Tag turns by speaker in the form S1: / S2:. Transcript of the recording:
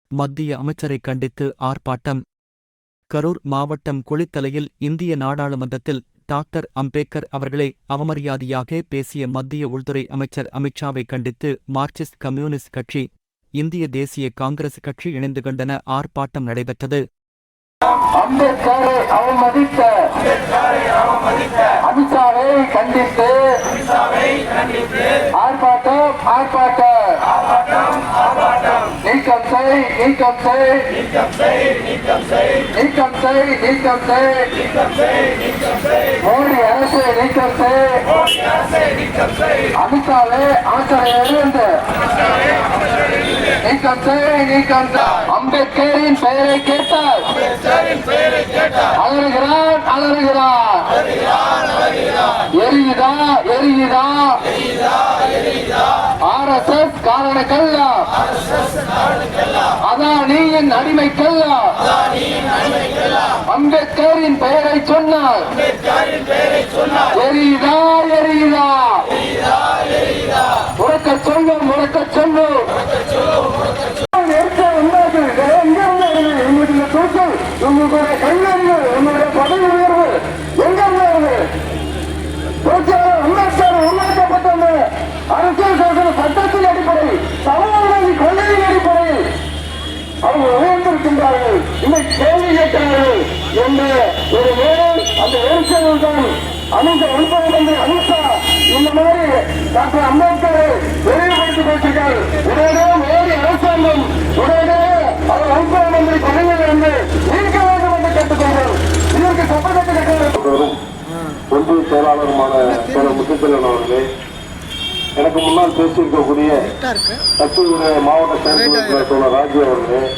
S1: மத்திய அமைச்சரை கண்டித்து ஆர்ப்பாட்டம். கரூர் மாவட்டம் குளித்தலையில் இந்திய நாடாளுமன்றத்தில் டாக்டர் அம்பேத்கர் அவர்களை அவமரியாதையாக பேசிய மத்திய உள்துறை அமைச்சர் அமித்ஷாவை கண்டித்து மார்க்சிஸ்ட் கம்யூனிஸ்ட் கட்சி, இந்திய தேசிய காங்கிரஸ் கட்சி இணைந்து கண்டன ஆர்ப்பாட்டம் நடைபெற்றது.
S2: அம்பேத்கரை அவமதித்த அமித்ஷாவை கண்டித்து ஆர்ப்பாட்டம் நீக்கம் செய் மோடி அரசு நீக்கம் செய் அமித்ஷாவை அமைச்சரையிலிருந்து நீக்கம் செய். அம்பேத்கரின் பெயரை கேட்டால் அலறுகிறான். எரியுதா RSS காரணக்கல்ல, அதானியின் அடிமைக்கல்ல. அம்பேத்கரின் பெயரை சொன்னார். எரியுதா உறக்க சொல்லும். உங்களுடைய கல்வியறிவு, உங்களுடைய பதவி உயர்வு எங்கிருந்து அம்பேத்கர் உருவாக்கப்பட்ட அரசியல் சாசன சட்டத்தின் அடிப்படை, சமூக கொள்கையின் அடிப்படையில் அவர்கள் உயர்ந்திருக்கின்றார்கள். இன்னைக்கு கேள்வி கேட்கிறார்கள் என்று ஒரு வேலை அந்த எரிச்சல் தான் உள்துறை மந்திரி அமித்ஷா இந்த மாதிரி டாக்டர் அம்பேத்கரை விரைவுபடுத்திக் கொண்டிருக்கிறார். உடனே மோடி அரசாங்கம் உடனே அவர் உள்துறை மந்திரி பதவியில் இருந்து நீக்க வேண்டும் என்று கேட்டுக்கொண்டார். இதற்கு சட்டத்தை கேட்கிறார்.
S3: ஒன்றிய செயலாளருமான முத்துச்செல்வன் அவர்களே, எனக்கு முன்னால் பேசியிருக்கக்கூடிய கட்சியுடைய மாவட்ட செயற்குழு ராஜி அவர்களே,